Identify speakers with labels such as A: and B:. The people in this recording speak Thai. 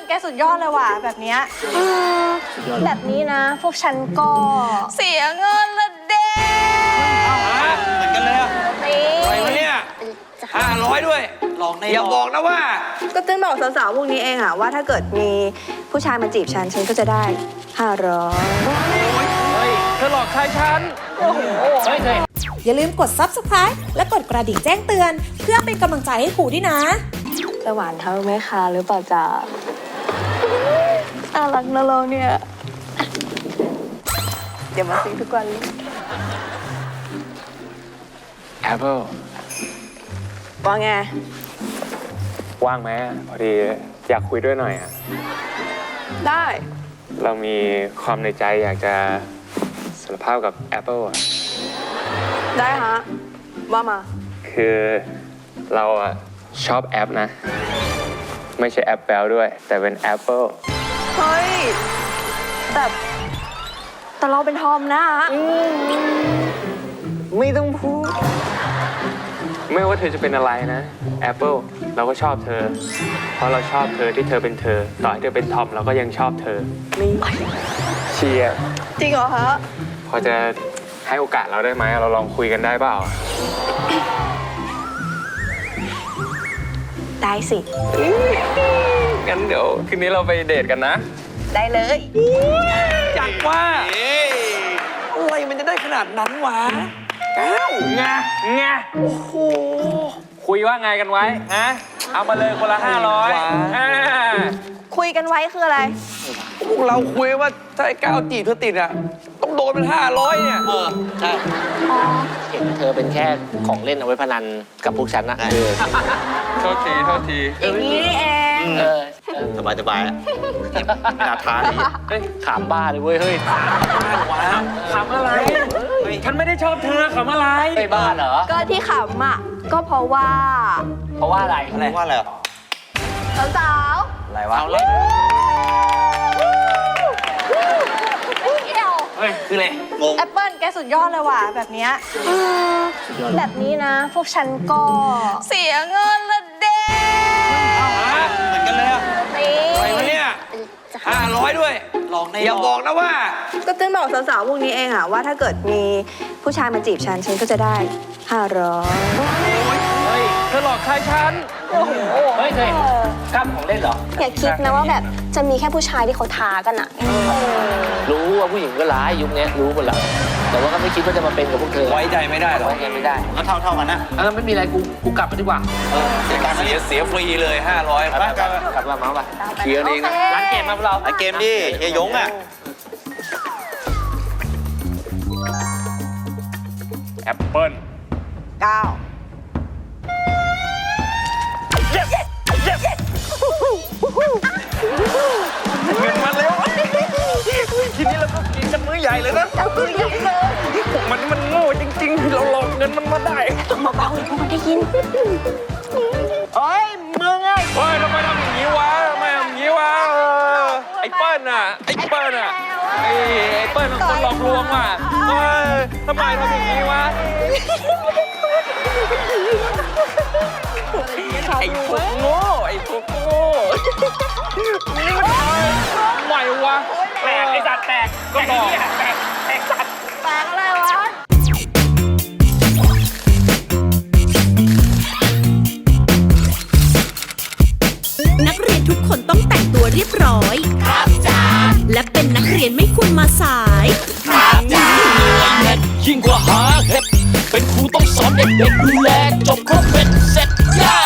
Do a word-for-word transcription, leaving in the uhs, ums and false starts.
A: แกสุดยอดเลยว่ะแบบเนี้ย
B: แบบนี้นะพวกฉันก็
A: เสียเงินละเด้
C: เหมือนกันเลยอะอะไรวะเนี่ยห้าร้อยด้วยลองในอย่าบอกนะว่า
A: ก็ตึ้งบอกสาวๆพวกนี้เองอะว่าถ้าเกิดมีผู้ชายมาจีบฉันฉันก็จะได้ห้าร้อย
C: เฮ้ยเธอหลอกใครฉันโอ้โหเฮ้ย
D: อย่าลืมกด ซับสไครบ์ และกดกระดิ่งแจ้งเตือนเพื่อเป็นกำลังใจให้ครูด้วยนะ
A: จะหวานเท่าแม่ค้าหรือเปล่าจ๊ะน่ารักนะเราเนี่ยเดี๋ยวมาซื้อทุกวันเลย
C: แอปเปิล
A: ว่าไง
C: ว่างไหมพอดีอยากคุยด้วยหน่อยอ่ะ
A: ได้
C: เรามีความในใจอยากจะสารภาพกับแอปเปิลอ่ะ
A: ได้ฮะว่ามา
C: คือเราอ่ะชอบแอปนะไม่ใช่แอปแปลด้วยแต่เป็นแอปเปิล
A: เฮ้ยแต่แต่เราเป็นทอมนะฮะ
C: ไม่ต้องพูดไม่ว่าเธอจะเป็นอะไรนะแอปเปิลเราก็ชอบเธอเพราะเราชอบเธอที่เธอเป็นเธอต่อให้เธอเป็นทอมเราก็ยังชอบเธอนี่เชียร์
A: จริงเหรอฮะ
C: พอจะให้โอกาสเราได้ไหมเราลองคุยกันได้เปล่า
A: ได้สิ
C: งั้นเดี๋ยวคืนนี้เราไปเดทกันนะ
A: ได้เลย
C: จัดว่าอะไรมันจะได้ขนาดนั้นวะก้าวงะงะโอ้โหคุยว่าไงกันไว้ฮะเอามาเลยคนละห้าร้อย
A: คุยกันไว้คืออะไร
C: พวกเราคุยว่าถ้าไอ้ก้าวจีบเธอติดอ่ะต้องโดนเป็นห้าร้อยเนี่ย
E: เออใช่เห็นเธอเป็นแค่ของเล่นเอาไว้พนันกับพวกฉันนะเออ
C: โทษทีโทษที
A: อย่างนี้นี่เอง
E: เออสบายสบายอ่ะนาทานเฮ้ยขำบ้าเลยเว้ยเฮ้ย
C: ขำวะขำอะไรฉันไม่ได้ชอบเธอขำอะไร
E: ไม่บ้าเหรอ
A: ก็ที่ขำอ่ะก็เพราะว่า
E: เพราะว่าอะไร
C: เพราะว่าอะไร
A: สาว
C: อะไรวะเฮ้ยคืออะไร
A: งงแอปเปิ้ลแกสุดยอดเลยว่ะแบบเนี้ย
B: แบบนี้นะพวกฉันก็
A: เสียเงินละเด้
C: เหมือนกันเลยอะอะไรวะเนี่ยห้าร้อยด้วยลองในอย่าบอกนะว่า
A: ก็ตึ้งบอกสาวๆพวกนี้เองอะว่าถ้าเกิดมีผู้ชายมาจีบฉันฉันก็จะได้ห้าร้อย
C: เฮ้ยเธอหลอกใครฉัน
E: โอ้โหเฮ้ยเคยกล้ามของเล่นเหรอ
B: อย่าคิดนะว่าแบบจะมีแค่ผู้ชายที่เขาท้ากันอะ
E: รู้ว่าผู้หญิงก็ร้ายยุคนี้รู้หมดแล้วแต่ว่าก็ไม่คิดว่าจะมาเป็นกับพวกเธอ
C: ไว้ใจไม่ได้หรอ
E: ไว้ใจไม่ได้
C: ก็เท่าเท่ากันนะ
E: แล้วไม่มีอะไรกูกูกลับไปดีกว่า
C: เสียเสียเสียฟรีเลยห้าร้อย
E: กลับกลับมาป่ะ
C: เคลียร์เองนะ
E: ร้านเกมมาเรา
C: ร้านเกมดิเฮียยงอ่ะแอปเปิ้ล
A: เก้า
C: เงินมาแล้วทีนี้เราก็กินกันมื้อใหญ่เลยนะ
A: มื้อใหญ่เลย
C: พวกมันมันโง่จริงๆเราหลอกเงินมันมาได้
A: เบาๆเลยพวกมันได้ยิน
C: เฮ้ยมึงไงเฮ้ยทำไมทำอย่างนี้วะทำไมทำอย่างนี้วะไอ้เปิ้ลน่ะไอ้เปิ้ลน่ะไอ้ไอ้เปิ้ลมันคนหลอกลวงว่ะเฮ้ยทำไมทำอย่างนี้วะไอ้พวกโง่ไอ้พวกโง่นี่มันทำไมวะแตกไอ้สัตว์แตกก็บอกแตกแตกสัตว์
A: แตกอะไรวะ
D: นักเรียนทุกคนต้องแต่งตัวเรียบร้อยครับจ้าและเป็นนักเรียนไม่ควรมาสาย
F: ครับจ้ายิ่งกว่าหาเห็ดเป็นครูต้องสอนเด็กๆดูแลจบครบเป็นเสร็จย่า